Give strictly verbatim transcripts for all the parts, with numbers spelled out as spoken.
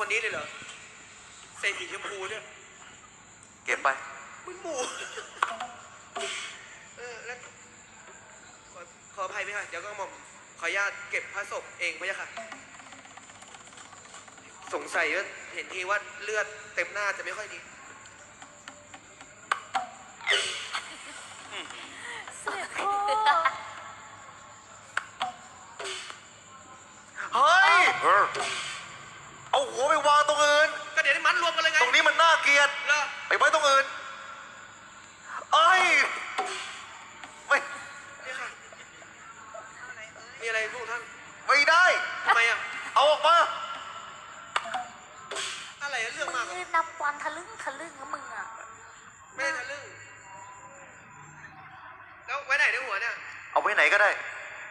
นี้เลยเหรอใส่สีชมพูเนี่ยเก็บไปมึงหมูเออแล้วขอขออภัยไหมคะเดี๋ยวก็หม่อมขออนุญาตเก็บพระศพเองไหมคะสงสัยว่าเห็นทีว่าเลือดเต็มหน้าจะไม่ค่อยดีเสด็จพ่อเฮ้ยเอาหัวไปวางตรงอื่นก็เดี๋ยวได้มัดรวมกันเลยไงตรงนี้มันน่าเกลียดไปไว้ตรงอื่นเอ้ยไม่นี่ค่ะมีอะไรพวกท่านไม่ได้ทำไมอ่ะเอาออกมาอะไรเรื่องมากนับวันทะลึ่งทะลึ่งนะมึงอ่ะไม่ได้ทะลึ่งแล้วไว้ไหนในหัวเนี่ยเอาไว้ไหนก็ได้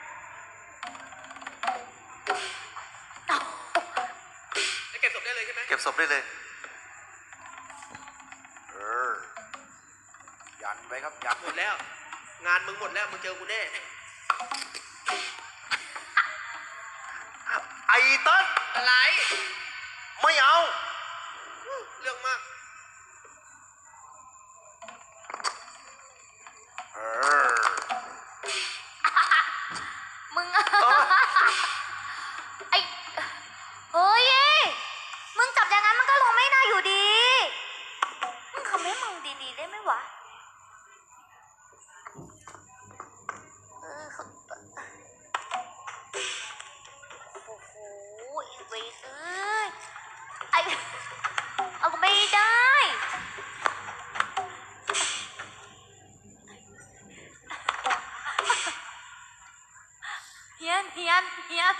เก็บศพได้เลยใช่ไหมเก็บศพได้เลยเออยันไว้ครับยันหมดแล้วงานมึงหมดแล้วมึงเจอกูแน่ไอ้ตั้นอะไรไม่เอาเรื่องมากเออมึงไอ้เฮ้ยมึงจับอย่างนั้นมันก็ลงไม่ได้อยู่ดีมึงทำให้มึงดีๆได้ไหมวะเออโอ้โหอีเวทเอ้ยไอเอาไม่ได้เฮียนเฮียนเฮียน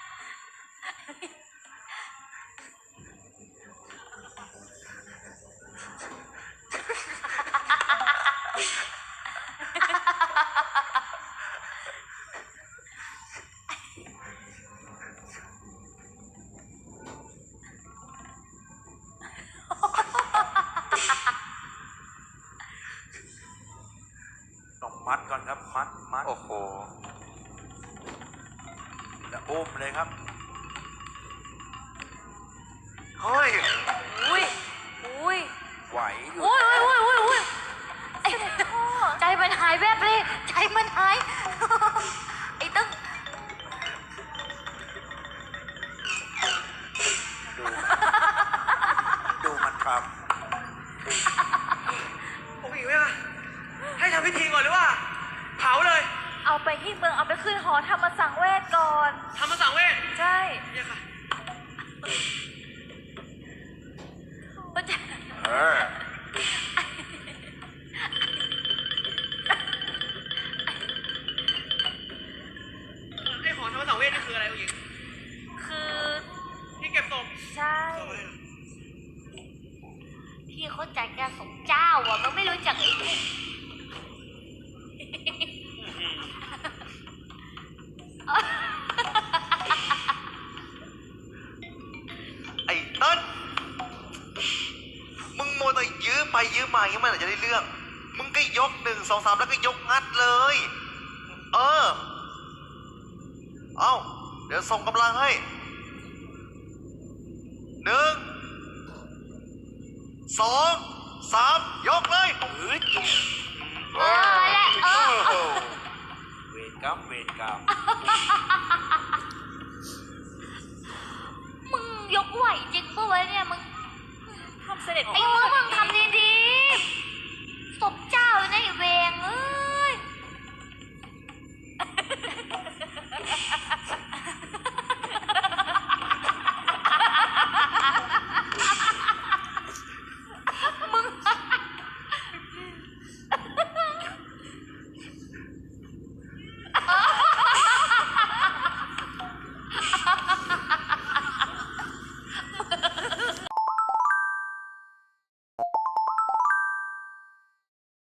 ต้องมัดก่อนครับมัดมัดโอ้โหแล้วอุ้มเลยครับเฮ้ยอุ้ยอุ้ยไหวอยู่อุ้ยอุ้ยอุ้ยอุ้ยไอ้ใจมันหายแวบเลยใจมันหายไอ้ตึ้งดูดูมันทำผมอีกไหมคะให้ทำพิธีก่อนหรือว่าเผาเลยเอาไปที่เมืองเอาไปขึ้นหอธรรมสังเวชก่อนธรรมสังเวชใช่เนี่ยค่ะเออไอ้หอธรรมสังเวชนี่คืออะไรคุณหญิงคือที่เก็บศพใช่ที่เขาจัดการศพเจ้าอ่ะมันไม่รู้จักไอ้ไอ้ตั้นมึงโมแต่ยื้อไปยื้อมายังไม่ไหนจะได้เรื่องมึงก็ยกหนึ่งสองสามแล้วก็ยกงัดเลยเออเอาเดี๋ยวส่งกำลังให้หนึ่งสองสามยกเลยเออแหละเออเวรกรรมเวรกรรมมึงยกไหวจริงปะวะเนี่ยมึงทำเสด็จไอ้เมื่อมึงท